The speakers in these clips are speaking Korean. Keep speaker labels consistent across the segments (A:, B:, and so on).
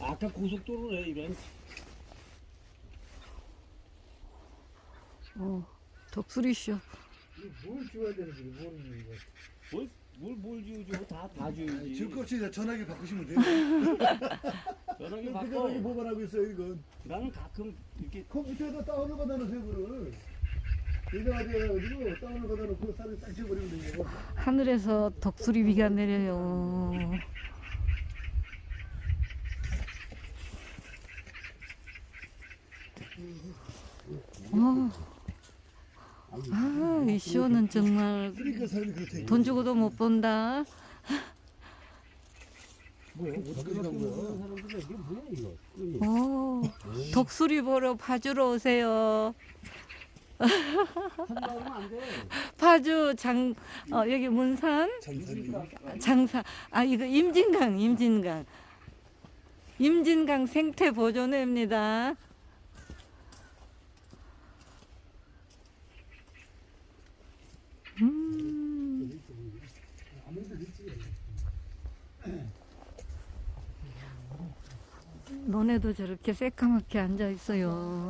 A: 아까 고속도로래 이런.
B: 독수리쇼.
C: 뭘 지워야 되는지 모르는 거.
A: 뭘 지우죠? 다 지우지.
C: 지금껏이 전화기 바꾸시면 돼요.
A: 전화기
C: 그
A: 바꿔.
C: 전화기 뭐만 하고 있어요 이건.
A: 나는 가끔 이렇게
C: 컴퓨터에다 다운을 받아놓으세요 그거를. 예정하게 해가지고 다운을 받아놓고 쌀을 딱 지워버리면 돼요.
B: 하늘에서 독수리 비가 내려요. 이 쇼는 정말
C: 그러니까 사람이 그렇대.
B: 돈 주고도 못 본다.
C: 뭐야? 어떻게 간 거야?
A: 사람들 이게 뭐야 이거?
B: 독수리 보러 파주로 오세요.
A: 한다면 안 돼.
B: 파주 여기 문산
C: 장산이.
B: 장사. 이거 임진강 생태 보존회입니다. 너네도 저렇게 새까맣게 앉아 있어요.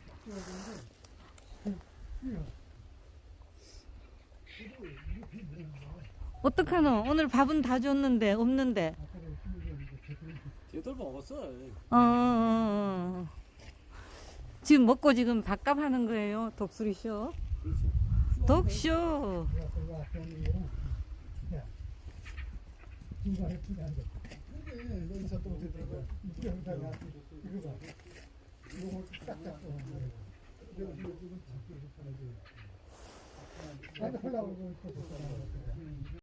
B: 어떡하노? 오늘 밥은 다 줬는데 없는데.
A: 얘들 먹었어.
B: 지금 먹고 지금 밥값 하는 거예요. 독수리쇼. 독쇼.
C: 여기서 또 어떻게 들어가? 이거 봐. 이거 딱딱 또. 이거 잡고 이렇게 하는 거. 안 하려고 그러고 있었잖아.